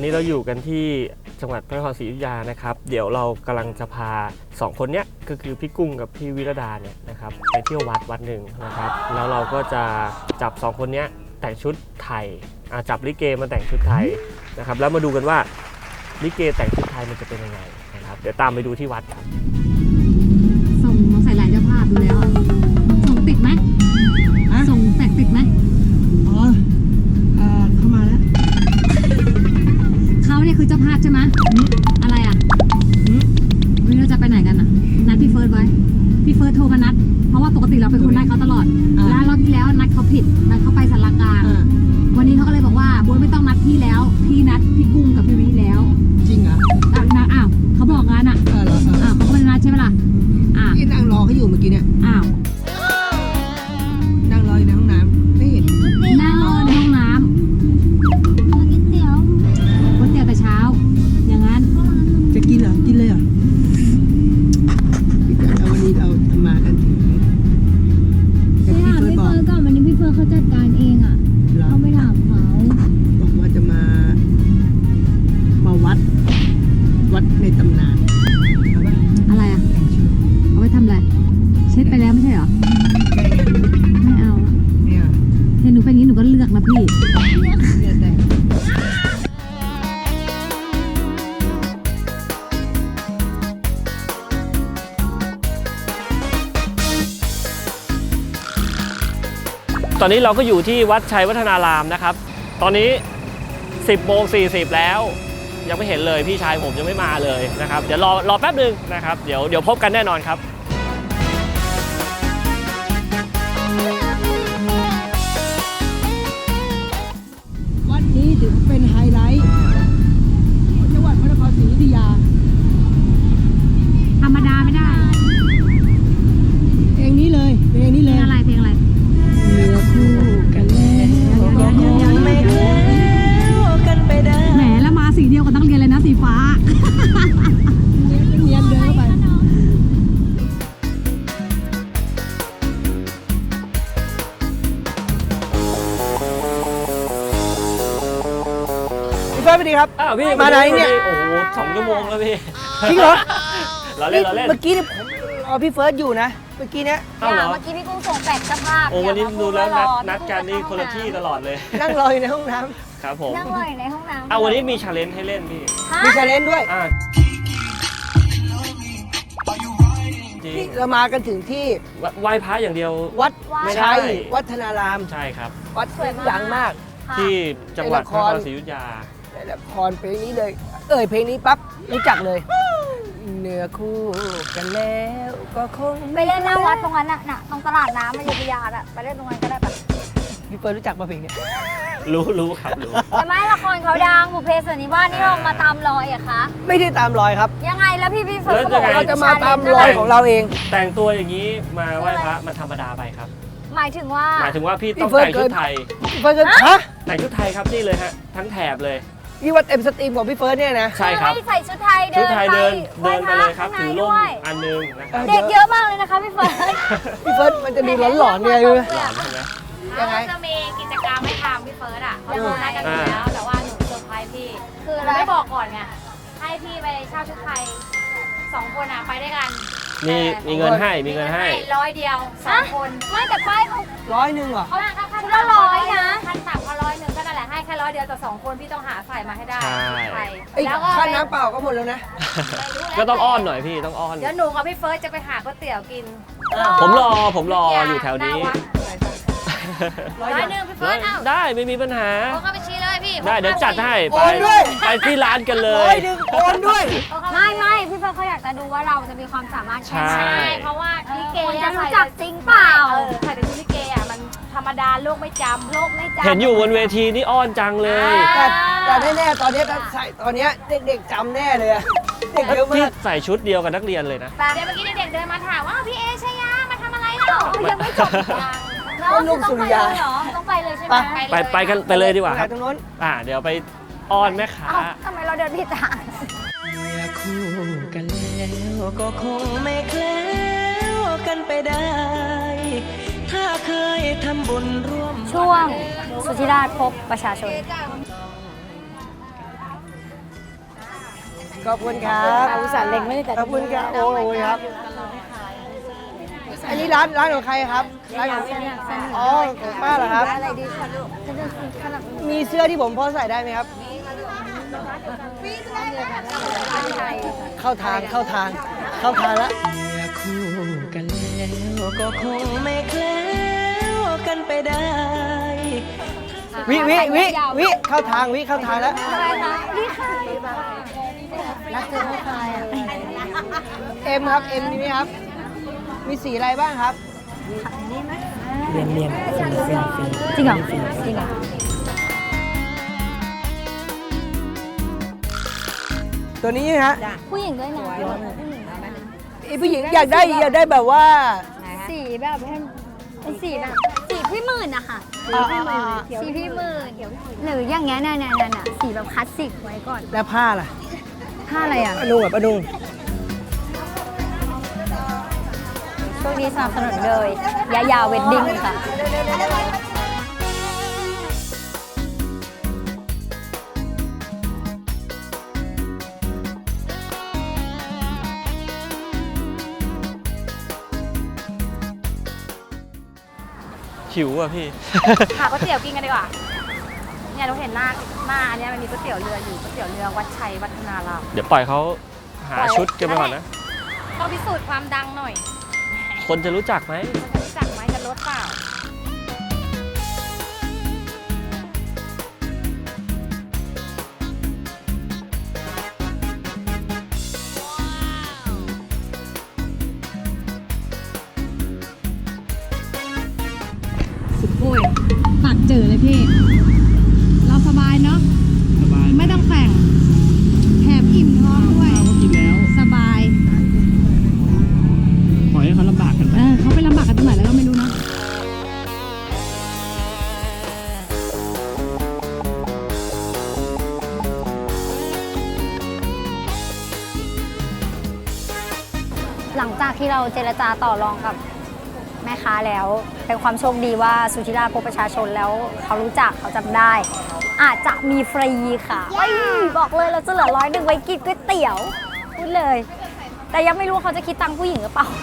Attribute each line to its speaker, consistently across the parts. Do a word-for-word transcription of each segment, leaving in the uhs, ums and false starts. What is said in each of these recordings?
Speaker 1: นี้เราอยู่กันที่จังหวัดพระนครศรีอยุธยานะครับเดี๋ยวเรากำลังจะพาสองคนเนี้ยก็คือพี่กุ้งกับพี่วิรดาเนี่ยนะครับไปเที่ยววัดวัดหนึ่งนะครับแล้วเราก็จะจับสองคนเนี้ยแต่งชุดไทยจับลิเกมาแต่งชุดไทยนะครับแล้วมาดูกันว่าลิเกแต่งชุดไทยมันจะเป็นยังไงนะครับเดี๋ยวตามไปดูที่วัดครับ
Speaker 2: ส่งมาใส่ลายเจ้าภาพดูแล้วส่งติดไหมส่งแตกติดไหม
Speaker 3: อ๋อเข้ามาแล้ว
Speaker 2: เขาเนี่ยคือเจ้าภาพใช่ไหมอะไรอ่ะวันนี้เราจะไปไหนกันอ่ะนัดพี่เฟิร์สไว้พี่เฟิร์สโทรมานัดเพราะว่าปกติเราเป็นคนนัดเขาตลอดแล้วรอบที่แล้วนัดเขาผิดนัดเขาไปสารกลางวันนี้เขาก็เลยบอกว่าโบ๊ทไม่ต้องนัดพี่แล้วพี่นัดพี่กุ้งกับพี่วิแล้ว
Speaker 3: จริงเหรอ
Speaker 2: อ่ะนัดอ้าวเขาบอกงั้นอ่ะ
Speaker 3: อ้าวเหรอ
Speaker 2: อ้าวเขาไม่ได้นัดใช่ไหมล่ะ
Speaker 3: อ่ะที่นั่งรอเขาอยู่เมื่อกี้เนี่ย
Speaker 2: อ้าว
Speaker 3: นั่งรออยู่ในห้องน้ำไม่เห็น
Speaker 2: นั่งรอในห้องน้ำก๋วยเตี๋ยวก๋วยเตี๋ยวแต่เช้าอย่างนั้น
Speaker 3: จะกินเหรอกินเลยเหรอเอาวันนี้เราทำมากันถึง
Speaker 2: พี่ถามพี่เฟิร์สก่อนวันนี้พี่เฟิร์สเขาจัดการเองอ่ะเขาไม่ถามเขา
Speaker 3: บอกว่าจะมามาวัดวัดในตำนาน
Speaker 2: อะไรอ่ะเอาไว้ทำอะไรเช็ดไปแล้วไม่ใช่เหรอไม่เอา
Speaker 3: เนี่ย
Speaker 2: เนี่ยหนูเป็นอย่างนี้หนูก็เลือกนะพี่
Speaker 3: เนี่ยแต่
Speaker 1: ตอนนี้เราก็อยู่ที่วัดชัยวัฒนารามนะครับตอนนี้สิบโมงสี่สิบแล้วยังไม่เห็นเลยพี่ชายผมยังไม่มาเลยนะครับเดี๋ยวรอรอแป๊บนึงนะครับเดี๋ยวเดี๋ยวพบกันแน่นอนครับ
Speaker 3: วัดนี้ถือเป็นไฮไลท์ของจังหวัดพระนครศรีอยุธยา
Speaker 2: ธรรมดาไม่ได้
Speaker 3: เพลงนี้เลยเพลงนี้เลย
Speaker 2: เพลงอะไรเพลงอะไร
Speaker 3: เนื้อคู่กันแล้วก็คงไม่แคล้วกันไปได้
Speaker 2: แหมแล้วมาสีเดียวกับนักเรียนเลยนะสีฟ้า
Speaker 3: เนียนเดินไปพี่เฟิร์สสวัสดีครับ
Speaker 1: อ้าวพี่
Speaker 3: มาไหนเนี่ย
Speaker 1: โอ้โหสองชั่วโมงแล้วพี่
Speaker 3: จริงเหรอ
Speaker 1: เราเล่นเราเล่น
Speaker 3: เมื่อกี้เนี่ยผมรอพี่เฟิร์สอยู่นะเมื่อกี้เนี้ย
Speaker 1: เมื่
Speaker 4: อกี้พี่กุ้งส่งแปดเจ้าภาพ
Speaker 1: โอ้วันนี้ดูแล้วนัดนัดกันนี่คนละที่ตลอดเลย
Speaker 3: นั่งรออยู่ในห้องน้
Speaker 1: ำครับผม
Speaker 4: นั่งรออยู่ในห้องน้ำ
Speaker 1: เอาวันนี้มีชาเลนจ์ให้เล่นพี่
Speaker 3: มีชาเลนจ์ด้วยเรามากันถึงที่
Speaker 1: ไหว้พระอย่างเดียว
Speaker 3: วัดชัยวัฒนาราม
Speaker 1: ใช่ครับ
Speaker 3: วัดสวยดังมาก
Speaker 1: ที่จังหวัดพระนครศรีอยุธยา
Speaker 3: ในละครเพลงนี้เลยเอ่ยเพลงนี้ปั๊บรู้จักเลยเนื้อคู่กันแล้วก็คง
Speaker 4: ไปเล่นหน้าวัดตรงนั้นน่ะน่ะตรงตลาดน้ำอยุธยาอ่ะไปเล่นตรงนั้นก็ได้ปะ
Speaker 3: พี่เฟิร์นรู้จักป่ะเพลงนี้
Speaker 1: รู้รู้ครับรู้
Speaker 4: แต่ไม่ละครเขาดังบุพเพสันนิวาสนี่เรามาตามรอยอะคะ
Speaker 3: ไม่ได้ตามรอยครับ
Speaker 4: ยังไงแล้วพี่พี่เฟิร์นบอก
Speaker 3: เราจะมาตามรอยของเราเอง
Speaker 1: แต่งตัวอย่างนี้มาไหว้พระมันธรรมดาไปครับ
Speaker 4: หมายถึงว่า
Speaker 1: หมายถึงว่าพี่ต้องแต่งชุดไทย
Speaker 3: พี่เฟิร์นฮะ
Speaker 1: แต่งชุดไทยครับนี่เลยฮะทั้งแถบเลย
Speaker 3: นี่ว่าเต็มสตรีมของพี่เฟิร์นเนี่ยนะ
Speaker 1: ใช่ครับ
Speaker 4: ใส่ชุดไทยเดิน
Speaker 1: ไปเดินเดินไปเลยครับถือร่มอันนึงนะครับ
Speaker 4: เด็กเยอะมากเลยนะคะพี่เฟิร์น
Speaker 3: พี่เฟิร์นมันจะดูหลอนๆไง
Speaker 1: ใช่ไหม
Speaker 4: ยังไงจะมีกิจกรรมให้ทำพี่เฟิร์สอ่ะเขาบอกให้กันอยู่แล้วแต่ว่าหนูเซอร์ไพรส์พี่คือเราไม่บอกก่อนไงให้พี่ไปเช่าชุดไทยสองคนอ่ะไปด้วยกัน
Speaker 1: มีมีเงินให้มีเงินให้
Speaker 4: ร้อยเดียวสองคนไม่แต่ป้ายเขา
Speaker 3: ร้อยหนึ่งเหรอ
Speaker 4: เขาคุณละร้อยนะพันสามเขาร้อยหนึ่งก็นั่นแหละให้แค่ร้อยเดียวแต่สองคนพี่ต้องหาใส่มาให้ได้
Speaker 3: ใช่แล้วก็ค่าน้ำเปล่าก็หมดแล้วนะ
Speaker 1: ก็ต้องอ้อนหน่อยพี่ต้องอ้อน
Speaker 4: เดี๋ยวหนูกับพี่เฟิร์สจะไปหาก๋วยเตี๋ยวกิน
Speaker 1: ผมรอผมรออยู่แถวนี้
Speaker 4: ร้อยหนึ่งพี่เฟิร์สเอา
Speaker 1: ได้ไม่มีปัญหา
Speaker 4: โอนเข้าบัญชีเลยพี่
Speaker 1: ได้เดี๋ยวจัดให้
Speaker 3: ไป
Speaker 1: ไปที่ร้านกันเล
Speaker 3: ยร้อยหนึ่งโอนด้วย
Speaker 4: ไม่ไม่พี่เฟิร์สเขาอยากจะดูว่าเราจะมีความสามารถแค่ไหนเพราะว่าลิเกจะรู้จักจริงเปล่าเออใครเป็นลิเกอ่ะมันธรรมดาโลกไม่จำโลกไม่จำ
Speaker 1: เห็นอยู่บนเวทีนี่อ้อนจังเลย
Speaker 3: แต่แต่แน่ๆตอนนี้ใส่ตอนนี้เด็กๆจำแน่เลยเด็กเยอะมาก
Speaker 1: ใส่ชุดเดียวกับนักเรียนเลยนะ
Speaker 4: เดี๋ยวเมื่อกี้เด็กๆเดินมาถามว่าพี่เอชยามาทำอะไรเนาะยังไม่จบ
Speaker 3: ต้นลูกสุริยา
Speaker 4: ต้องไปเลยใช่ไหม
Speaker 1: ไปไปกันไปเลยดีกว่าครับ
Speaker 3: ตรงนู้น
Speaker 1: อ่าเดี๋ยวไปอ้อนแม่ค้า
Speaker 4: ทำไมเราเดินผิดทาง
Speaker 3: คู่กันแล้วก็คงไม่แคล้วกันไปได้ถ้าเคยทำบุญร่วม
Speaker 4: ช่วงสุธิราชพบประชาชน
Speaker 5: ขอบคุณครับ
Speaker 2: อุตส่าห์เล็งไม่ได้แต่
Speaker 5: ขอบคุณครับโอ้โหครับ อันนี้ร้านร้านของใครครับร้านของอ๋อของป้าเหรอครับ
Speaker 2: อะไรดีคะลูก
Speaker 5: มีเสื้อที่ผมพอใส่ได้ไหมครับ เข้าทางเข้าทางเข้าทางแล้ว
Speaker 3: เมื่อคู่กันแล้วก็คงไม่แคล้วกันไปได้
Speaker 5: วิวิวิวิเข้าทางวิเข้าทางแล้ว
Speaker 2: อะไรคะนี่ค่ะรักเธอไม่คลายอ่ะ
Speaker 5: เอ็มครับเอ็มนี่ไหมครับ มีสีอะไรบ้างครับ
Speaker 3: เรียนเรียนฟรีฟรีฟรี
Speaker 2: จริงเหรอจริงเหรอ
Speaker 5: ตัวนี้นะฮะ
Speaker 2: ผู้หญิงด้วยนะ
Speaker 5: ไอ้ผู้หญิงอยากได้อยากได้แบบว่า
Speaker 2: สีแบบเป็นสีแบบสีพี่หมื่นอะค่ะ
Speaker 5: อ่าอ่าอ่า
Speaker 2: สีพี่หมื่นหรืออย่างเงี้ยเนี่ยเนี่ยเนี่ยสีแบบคลาสสิกไว้ก่อน
Speaker 5: แล้วผ้าล่ะ
Speaker 2: ผ้าอะไรอ่ะ
Speaker 5: อนุแบบอนุ
Speaker 2: ช่วงนี้สนับสนุนเลยยายาเวดดิ้งค่ะ
Speaker 1: หิวอ่ะพี่
Speaker 4: หาก๋วยเตี๋ยวกินกันดีกว่าเนี่ยเราเห็นหน้าหน้าอันเนี้ยมันมีก๋วยเตี๋ยวเรืออยู่ก๋วยเตี๋ยวเรือวัดชัยวัฒนาราม
Speaker 1: เดี๋ยวปล่อยเขาหาชุดกันไปก่อนนะ
Speaker 4: ต้องพิสูจน์ความดังหน่อย
Speaker 1: คนจะรู้จักไหม
Speaker 4: จะรู้จักไหมจะลดเปล่า
Speaker 2: สุดโอ้ยปากเจอเลยพี่ เราสบายเนาะ
Speaker 1: สบาย
Speaker 2: ไม่ต้องแต่งแถมอิ่มท้องด้วย
Speaker 1: เขากินแล้ว
Speaker 2: สบาย
Speaker 1: ปล่อยให้เขาลำบากกันไป
Speaker 2: เออเขาไปลำบากกันตรงไหนแล้วก็ไม่รู้เนาะ หลังจากที่เราเจรจาต่อรองกับแม่ค้าแล้ว เป็นความโชคดีว่าสุธิราพบประชาชนแล้วเขารู้จักเขาจำได้ อาจจะมีฟรีค่ะเฮ้ยบอกเลยเราจะเหลือร้อยหนึ่งไว้กินก๋วยเตี๋ยวพูดเลย แต่ยังไม่รู้ว่าเขาจะคิดตังค์ผู้หญิงหรือเปล่า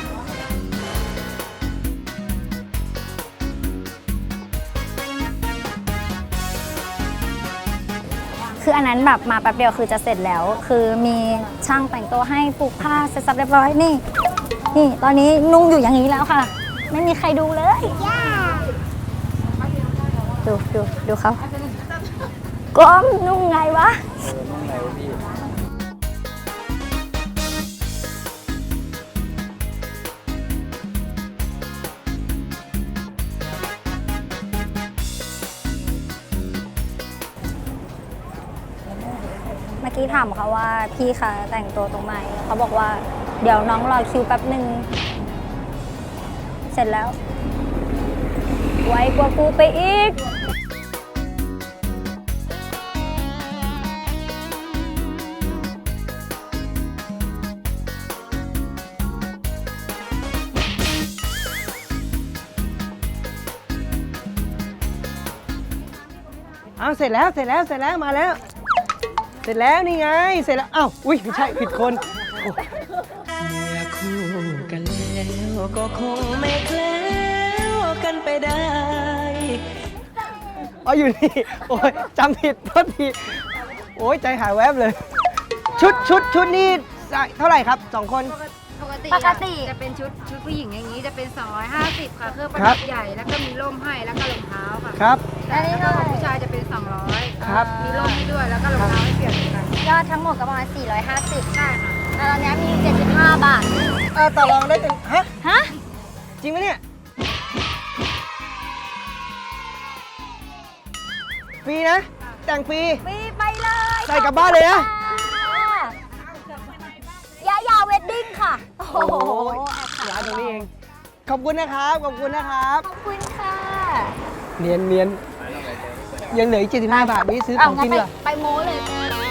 Speaker 2: คืออันนั้นแบบมาแป๊บเดียวคือจะเสร็จแล้ว คือมีช่างแต่งตัวให้ผูกผ้าเสร็จสับเรียบร้อยนี่ นี่ตอนนี้นุ่งอยู่อย่างนี้แล้วค่ะ ไม่มีใครดูเลยดูดูดูเขาก้มนุ่งไงวะเมื่อกี้ถามเขาว่าพี่คะแต่งตัวตรงไหนเขาบอกว่าเดี๋ยวน้องรอคิวแป๊บหนึ่งเสร็จแล้ว ไวกว่ากูไปอีก
Speaker 5: เอาเสร็จแล้วเสร็จแล้วเสร็จแล้วมาแล้ว เสร็จแล้วนี่ไงเสร็จแล้วอ้าวอุ้ยไม่ใช่ผิดคนโอ้
Speaker 3: เมื่อคู่กันแล้วก็คงไม่แคล้วกันไปได้
Speaker 5: อ๋ออยู่นี่โอ้ยจำผิดโทษทีโอ้ยใจหายแวบเลย ชุดชุดชุดนี่เท่าไหร่ครับสองคน
Speaker 6: ปกติ
Speaker 2: ปกติ
Speaker 6: จะเป็นชุดชุดผู้หญิงอย่างนี้จะเป็น สองร้อยห้าสิบ ค่ะเครื่องประ
Speaker 5: ครั
Speaker 6: ดั
Speaker 5: บ
Speaker 6: บใหญ่แล้วก็มีร่มให้แล้วก็รองเท้าค่ะ
Speaker 5: ครับ
Speaker 6: แล้วก็ของผู้ชายจะเป็น สองร้อย
Speaker 5: ครับ
Speaker 6: มีร่มให้ด้วยแล้วก็รองเท้าให้เปลี่ยนเหมือนกัน
Speaker 2: ยอดทั้งหมดก็ประมาณสี่ร้อยห้าสิบ
Speaker 6: ใช่ค่ะ
Speaker 2: แต่ตอนนี้มีเจ็ดสิบห้าบาท
Speaker 5: เออต่อรองได้เป็นฮะ
Speaker 2: ฮะ
Speaker 5: จริงไหมเนี่ยฟรีนะ แต่งฟรี
Speaker 2: ฟรีไปเลย
Speaker 5: ใส่กลับบ้านเลยนะ
Speaker 2: ยายาเวดดิ้งค่ะ โอ้โห
Speaker 5: ร้านตรงนี้เอง ขอบคุณนะครับ ขอบคุณนะครับ
Speaker 2: ขอบคุณค่ะ
Speaker 5: เนียนเนียนยังเหลืออีกเจ็ดสิบห้าบาทนี้ซื้อข
Speaker 2: เอา
Speaker 5: อง
Speaker 2: งั้
Speaker 5: กิ
Speaker 2: น
Speaker 5: น
Speaker 2: ไป
Speaker 5: ดีกว่า
Speaker 2: ไปโม้เลย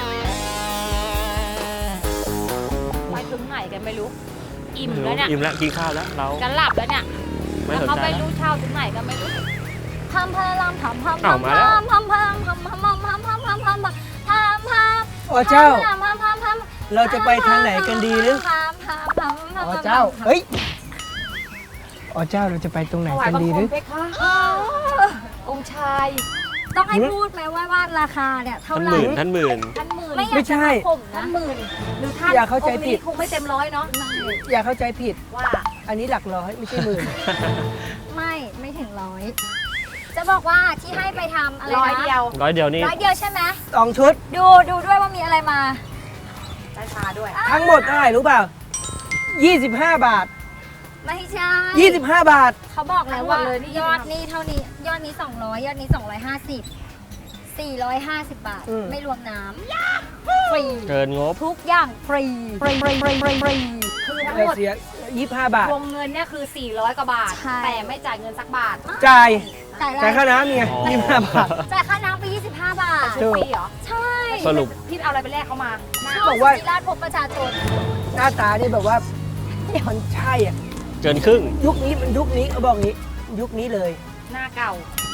Speaker 4: ไปถึงไหนกันไม่รู้ อิ่มแล้วเนี่ย
Speaker 1: อิ่มแล้วกินข้าวแล้วเรา
Speaker 4: จะหลับแล้วเนี่ย
Speaker 1: ไม่
Speaker 4: แล้ว
Speaker 1: สน
Speaker 4: เขา
Speaker 1: ใจ
Speaker 4: ไป
Speaker 1: แล้ว
Speaker 4: รู้เช่าถึงไหนกันไม่รู้
Speaker 2: พัมพลามพัมพัม
Speaker 1: อ้า
Speaker 2: พั
Speaker 1: ว
Speaker 2: ม
Speaker 1: มาแล้ว
Speaker 2: พัมพัมพัมพัมพัมพัมพัมพัมพัมพัมพัมพัม
Speaker 5: โอ้เจ้า
Speaker 2: พัมพัมพัมพัม
Speaker 5: เราจะไปทางไหนกันดีหรือ
Speaker 2: ถามถามถามถาม
Speaker 5: อ๋อเจ้า เฮ้ย อ๋อเจ้าเราจะไปตรงไหนกันดีหรือ
Speaker 2: องค์ชาย ต้องให้พูดไหมว่าว่าราคาเนี่ยเท่า
Speaker 1: ท่าน
Speaker 2: ไห
Speaker 1: ห
Speaker 2: ร่
Speaker 1: มื่นท่านหมื่น
Speaker 4: ท่านหมื่น
Speaker 2: ไม่อยา
Speaker 5: ไม่
Speaker 2: ก
Speaker 5: ใช่
Speaker 2: จะข่มนะหมื่นหรือท่าน
Speaker 5: อย่าเข้าใจผิด
Speaker 2: องค์นี้คงไม่เต็มร้อยเนาะ
Speaker 5: อย่าเข้าใจผิด
Speaker 2: ว่า
Speaker 5: อันนี้หลักร้อยไม่ใช่หมื่น
Speaker 2: ไม่ไม่ถึงร้อยจะบอกว่าที่ให้ไปทำอะไรนะ
Speaker 4: ร้อยเดียว
Speaker 1: ร้อยเดียวนี่
Speaker 2: ร้อยเดียวใช่ไหม
Speaker 5: สองชุด
Speaker 2: ดูดูด้วยว่ามีอะไรมา
Speaker 4: ได้ชาด้วย
Speaker 5: ทั้งหมดเท่าไหร่รู้เปล่า ยี่สิบห้า บาท
Speaker 2: ไม่ใช่
Speaker 5: ยี่สิบห้า บาท
Speaker 2: เขาบอกแล้วว่า
Speaker 4: ทั้งหมดเลยนี่
Speaker 2: ยอดนี้เท่านี้ ยอดนี้สองร้อยยอดนี้สองร้อยห้าสิบ สี่ร้อยห้าสิบบาท
Speaker 5: อืม
Speaker 2: ไม่รวมน้ำฟรี
Speaker 1: เกินงบ
Speaker 2: ทุกอย่างฟรีฟรีฟรีฟรีฟรีฟรี
Speaker 4: คือทั้ง
Speaker 5: แต่
Speaker 4: หมด
Speaker 5: เสียยี่สิบห้า บาท
Speaker 4: รวมเงินเนี่ยคือ สี่ร้อยกว่าบาท
Speaker 2: ใช่
Speaker 4: แต่ไม่จ่ายเงินสักบาท
Speaker 5: จ่าย
Speaker 2: จ่ายอะไร
Speaker 5: จ่ายค่าน้ำไง
Speaker 1: อ๋อ
Speaker 5: ยี่สิบห้า บาท
Speaker 2: จ่ายค่าน้ำไปยี่สิบห้าบาท
Speaker 5: ถูก
Speaker 4: ฟรีเหรอ
Speaker 2: ใช่
Speaker 1: สรุป
Speaker 4: พี่เอาอะไรไปแลกเขามา
Speaker 2: ช่อง
Speaker 5: บอกว่า
Speaker 2: สุธิราชพบประชาชน
Speaker 5: หน้าตานี่แบบว่ามันใช่อ่ะ
Speaker 1: เกินครึ่ง
Speaker 5: ยุคนี้มันยุคนี้เขาบอกงี้ ยุคนี้เลย
Speaker 4: หน้าเก่า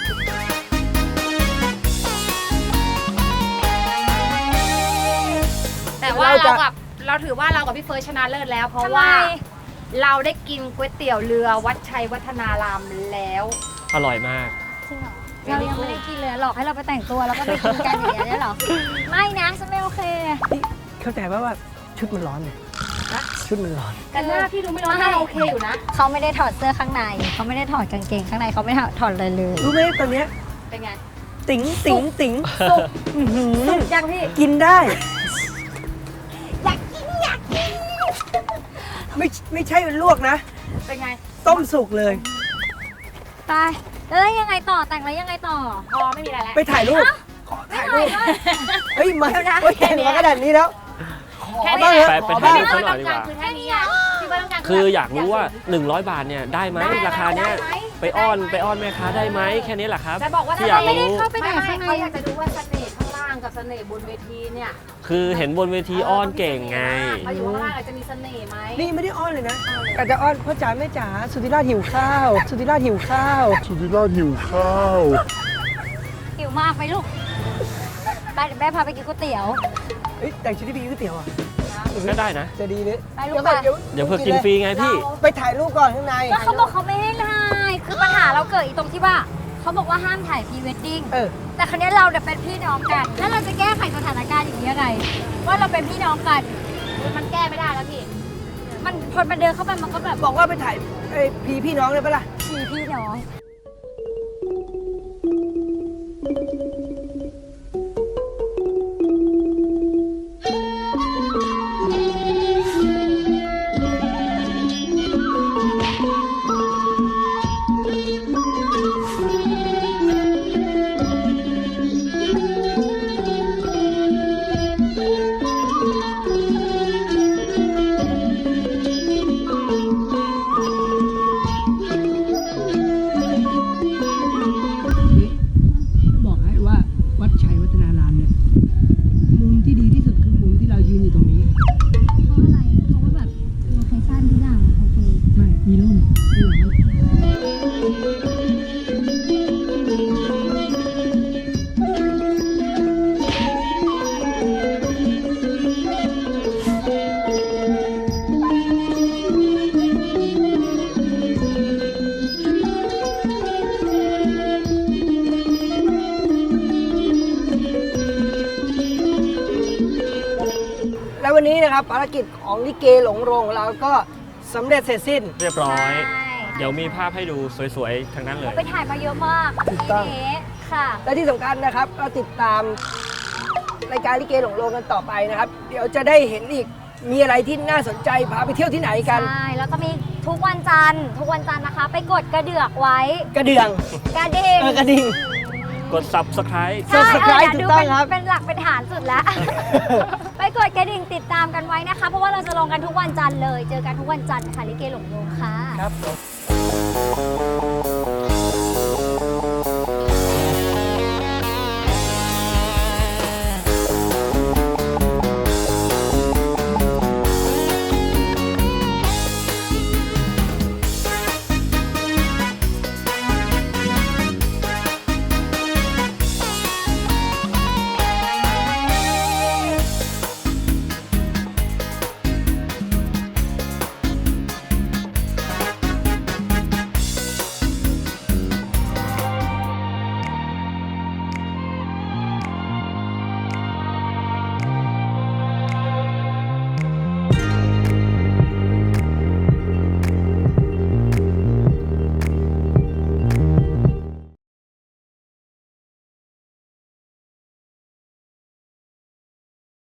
Speaker 4: แต่ว่า
Speaker 5: เราจะ
Speaker 4: เรากับเราถือว่าเรากับพี่เฟิร์สชนะเลิศแล้ว เพราะ
Speaker 2: ทำไม
Speaker 4: ว่าเราได้กินก๋วยเตี๋ยวเรือวัดชัยวัฒนารามแล้ว
Speaker 1: อร่อยมาก
Speaker 2: จริงเหรอเรายังไม่ได้กินเลยหลอกให้เราไปแต่งตัวแล้วก็ไปกินกันอย่างเงี้ยเหรอ ไม่นะฉันไม่โอเค
Speaker 5: นี่เข้าใจป่ะว่าชุดมันร้อนเนี่ยชุดมันร้อน
Speaker 4: แต่หน้าพี่ดูไม่ร้อนหน้าโอเคอยู่นะ
Speaker 2: เขาไม่ได้ถอดเสื้อข้างใน เขาไม่ได้ถอดกางเกงข้างในเขาไม่ถอดเลยเลย
Speaker 5: รู้ไหมตอนเนี้ย
Speaker 4: เป็นไง
Speaker 5: ติ๋งติ๋งติ๋ง
Speaker 2: สุก
Speaker 5: อื้อหือ
Speaker 2: สุกยังพี่
Speaker 5: กินได้
Speaker 2: อยากกินอยากกิน
Speaker 5: ไม่ไม่ใช่ลวกนะ
Speaker 4: เป็นไง
Speaker 5: ต้มสุกเลย
Speaker 2: ตายแล้วยังไงต่อแต่งแล้วยังไงต่อ
Speaker 4: พอไม่มีอะไรแล้ว
Speaker 5: ไปถ่ายรูป ขอถ่ายรูป เฮ้ย มาเฮ้ยเห็นมาขนาดนี้แล้ว ขอ
Speaker 4: แค่
Speaker 5: บ้าง
Speaker 4: นี้
Speaker 5: เถ
Speaker 1: ไป
Speaker 5: อะ
Speaker 1: ไป
Speaker 5: ขอ
Speaker 1: ถ่า
Speaker 5: บ้าย ง
Speaker 1: รูป
Speaker 4: พี่เฟิร์สต้องการคือแค่นี้อะพี่เฟิร์สต้องการ
Speaker 1: คืออยากรู้ว่า หนึ่งร้อย บาทเนี่ยได้ไหมราคาเนี้ยไปอ้อนไปอ้อนแม่ค้าได้ไหมแค่นี้แหละครับ
Speaker 4: จะบอกว่า
Speaker 1: ที่อยาก
Speaker 2: ไม่ได้
Speaker 1: รู้
Speaker 2: เข้าไปไหน
Speaker 4: ไม่ไม่
Speaker 2: ข้างใน
Speaker 4: เขาอยากจะดูว่าเสน่ห์ข้างล่างกับเสน่ห์บนเวทีเนี่ย
Speaker 1: คือเห็นบนเวทีอ้อนเก่งไง
Speaker 4: มาอยู่ข้างล่างอาจจะมีเสน่ห์ไหม
Speaker 5: นี่ไม่ได้อ้อนเลยนะอาจจะอ้อนพ่อจ๋าแม่จ๋าสุธิราชหิวข้าว สุธิราชหิวข้าว
Speaker 7: สุธิราชหิวข้าว
Speaker 2: หิวมากไหมลูกไปเดี๋ยวแม่พาไปกินก๋วยเตี๋ยว
Speaker 5: เฮ้ยแต่งชุดที่ไปกินก๋วยเตี๋ยวอ่ะ
Speaker 1: ก็ได้นะ
Speaker 5: จะดีหรือ
Speaker 2: ไปลูก
Speaker 5: เดี๋ยวก่อน
Speaker 2: ไป
Speaker 5: เดี๋ยว
Speaker 1: เดี๋ยวเพื่อกินฟรีไงพี่
Speaker 5: ไปถ่ายรูปก่อนข้างใน
Speaker 2: ก็เขาบอกเขาไม่ให้ถ่ายคือปัญหาเราเกิดอีกตรงที่ว่าเขาบอกว่าห้ามถ่ายพรีเวดดิ้ง
Speaker 5: เออ
Speaker 2: แต่ครั้นี้เราเนี่ยเป็นพี่น้องกัน แล้วเราจะแก้ไขสถานการณ์อย่างนี้ยังไง ว่าเราเป็นพี่น้องกัน
Speaker 4: มันแก้ไม่ได้แล้วพี่
Speaker 2: มันพอมันเดินเข้าไปมันก็แบบ
Speaker 5: บอกว่าไปถ่ายไอ้พีพี่น้องเลยปะล่ะ
Speaker 2: พี่พี่น้อง
Speaker 5: บอกให้ว่าวัดชัยวัฒนารามเนี่ย มุมที่ดีที่สุดคือมุมที่เรายืนอยู่ตรงนี้
Speaker 2: เพราะอะไร เพราะว่าแบบโลเคชั่นทุกอย่างโอเค
Speaker 5: ไม่ มีร่มมีหลัง แล้ววันนี้นะครับภารกิจของลิเกหลงโรงของเราก็สำเร็จเสร็จสิ้น
Speaker 1: เรียบร้อย
Speaker 2: ใช่
Speaker 1: เดี๋ยวมีภาพให้ดูสวยๆ ทั้งนั้นเลย
Speaker 2: ไปถ่ายมาเยอะมาก
Speaker 5: ถูกต้อง
Speaker 2: ทีนี้ค่ะ
Speaker 5: และที่สำคัญนะครับก็ติดตามรายการลิเกหลงโรงกันต่อไปนะครับ เดี๋ยวจะได้เห็นอีกมีอะไรที่น่าสนใจพาไปเที่ยวที่ไหนกัน
Speaker 2: ใช่ แล้วก็มีทุกวันจันทร์ ทุกวันจันทร์นะคะ ไปกดกระเดือกไว้
Speaker 5: กระเดื่อง
Speaker 2: กระดิ่ง
Speaker 5: เออกระดิ่ง
Speaker 1: กด subscribe
Speaker 2: ใช่
Speaker 5: Subscribe
Speaker 2: เดี๋ยวดู
Speaker 5: ถูกต้อง
Speaker 2: เป็น
Speaker 5: ครับ
Speaker 2: เป็นหลักเป็นฐานสุดแล้ว ไปกดกระดิ่งติดตามกันไว้นะคะ เพราะว่าเราจะลงกันทุกวันจันทร์เลย เจอกันทุกวันจันทร์ค่ะลิเกหลงโรงค่ะ
Speaker 5: ครับ